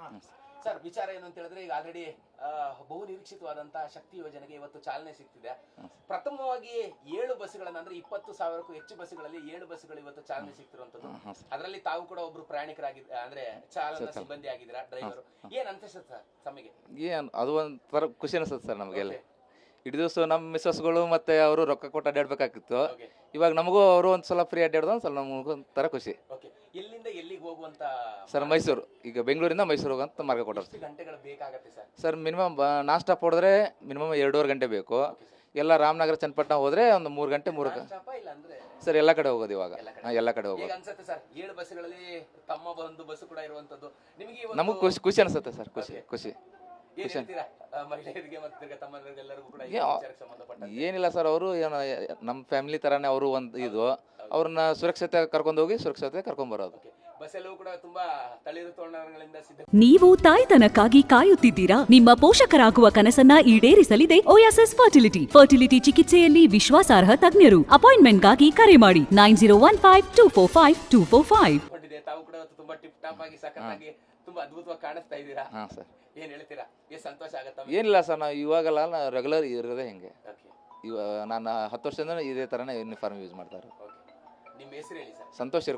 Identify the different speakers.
Speaker 1: Sir ವಿಚಾರ ಏನು ಅಂತ ಹೇಳಿದ್ರೆ ಈಗ ಆಲ್ರೆಡಿ ಬಹು ನಿರೀಕ್ಷಿತವಾದಂತಹ ಶಕ್ತಿ ಯೋಜನೆಗೆ ಇವತ್ತು ಚಾಲನೆ ಸಿಗ್ತಿದೆ. ಪ್ರಥಮವಾಗಿ 7 ಬಸ್ಗಳನ್ನ ಅಂದ್ರೆ 20,000ಕ್ಕೂ ಹೆಚ್ಚು ಬಸ್ಗಳಲ್ಲಿ 7 ಬಸ್ಗಳು ಇವತ್ತು ಚಾಲನೆ ಸಿಗ್ತಿರುವಂತದ್ದು. ಅದರಲ್ಲಿ ತಾವು ಕೂಡ ಒಬ್ರು ಪ್ರಯಾಣಿಕರಾಗಿದ್ದ ಅಂದ್ರೆ ಚಾಲನಾ ಸಿಬ್ಬಂದಿ ಆಗಿದ್ದೀರಾ, ಡ್ರೈವರ್. ಏನ್ ಅನ್ಸುತ್ತೆ ಸರ್ ತಮಗೆ?
Speaker 2: ಏನು ಅದು ಒಂಥರ ಖುಷಿ ಅನಿಸುತ್ತೆ ಸರ್ ನಮಗೆಲ್ಲ. ಇಡೀ ದಿವಸ ನಮ್ಮ ಮಿಸ್ಸಸ್ಗಳು ಮತ್ತೆ ಅವರು ರೊಕ್ಕ ಕೊಟ್ಟು ಅಡ್ಡಾಡ್ಬೇಕಾಗಿತ್ತು. ಇವಾಗ ನಮಗೂ ಅವರು ಒಂದ್ಸಲ ಫ್ರೀ ಅಡ್ಡಾಡ್ದು ಒಂದ್ಸಲ ನಮಗೂ ಒಂಥರ ಖುಷಿ.
Speaker 1: ಎಲ್ಲಿಂದ ಎಲ್ಲಿಗೆ ಹೋಗುವಂತ
Speaker 2: ಸರ್ ಮೈಸೂರು, ಈಗ ಬೆಂಗಳೂರಿಂದ ಮೈಸೂರು ಹೋಗಂತ ಮಾರ್ಗ ಕೊಟ್ಟರು.
Speaker 1: ಎಷ್ಟು ಗಂಟೆಗಳು ಬೇಕಾಗತ್ತೆ sir?
Speaker 2: Sir minimum non stop ಹೊಡೆದ್ರೆ ಮಿನಿಮಮ್ 2.5 ಗಂಟೆ ಬೇಕು. ಎಲ್ಲ ರಾಮನಗರ ಚನ್ನಪಟ್ಟಣ ಹೋದ್ರೆ ಒಂದು 3 ಗಂಟೆ ಸರ್ ಎಲ್ಲ ಕಡೆ ಹೋಗೋದು ಇವಾಗ. ಎಲ್ಲ ಕಡೆ ಹೋಗೋದು.
Speaker 1: ಅನ್ಸುತ್ತೆ ಸರ್ 7 ಬಸ್ಗಳಲ್ಲಿ ತಮ್ಮ ಒಂದು ಬಸ್ ಕೂಡ ಇರುವಂತದ್ದು ನಿಮಗೆ
Speaker 2: ನಮಗೂ ಖುಷಿ ಅನಿಸುತ್ತೆ ಸರ್. ಖುಷಿ
Speaker 1: ಮಹಿಳೆಯರಿಗೆ ಮತ್ತು ತಮ್ಮಂದಿರಿಗೆಲ್ಲರಿಗೂ ಕೂಡ
Speaker 2: ಏನಿಲ್ಲ ಸರ್, ಅವರು ಏನೋ ನಮ್ಮ ಫ್ಯಾಮಿಲಿ ತರಾನೇ ಅವರು ಒಂದು ಇದು ಅವ್ರನ್ನ ಸುರಕ್ಷತೆ ಕರ್ಕೊಂಡು ಹೋಗಿ ಸುರಕ್ಷತೆ ಕರ್ಕೊಂಡ್ ಬರೋದು.
Speaker 1: ಬಸ್ಸಲ್ಲೂ ಕೂಡ ತುಂಬಾ ತಳಿರು ತೋರಣಗಳಿಂದ ಸಿದ್ಧ.
Speaker 3: ನೀವು ತಾಯ್ತನಕ್ಕಾಗಿ ಕಾಯುತ್ತಿದ್ದೀರಾ? ನಿಮ್ಮ ಪೋಷಕರಾಗುವ ಕನಸನ್ನ ಈಡೇರಿಸಲಿದೆ ಓಯಾಸಿಸ್ ಫರ್ಟಿಲಿಟಿ ಚಿಕಿತ್ಸೆಯಲ್ಲಿ ವಿಶ್ವಾಸಾರ್ಹ ತಜ್ಞರು. ಅಪಾಯಿಂಟ್ಮೆಂಟ್ಗಾಗಿ ಕರೆ ಮಾಡಿ 9015245245.
Speaker 1: ತಾವು ಕೂಡ ತುಂಬಾ ಟಿಪ್ ಟಾಪ್ ಆಗಿ ಸಖತ್ತಾಗಿ ತುಂಬಾ ಅದ್ಭುತವಾಗಿ ಕಾಣಿಸ್ತಾ ಇದ್ದೀರಾ.
Speaker 2: ಸರ್
Speaker 1: ಏನ್ ಹೇಳ್ತೀರಾ? ಎಷ್ಟು ಸಂತೋಷ ಆಗುತ್ತೆ.
Speaker 2: ಏನಿಲ್ಲ ಸರ್, ನಾವು ಇವಾಗಲ್ಲ ರೆಗ್ಯುಲರ್ ಇರೋದೇ ಹಿಂಗೆ. ಇವಾಗ ನಾನು 10 ವರ್ಷದಿಂದ ಇದೇ ಥರನೇ ಯೂನಿಫಾರ್ಮ್ ಯೂಸ್ ಮಾಡ್ತಾರೆ.
Speaker 1: ನಿಮ್ಮ ಹೆಸರು ಹೇಳಿ ಸರ್.
Speaker 2: ಸಂತೋಷ್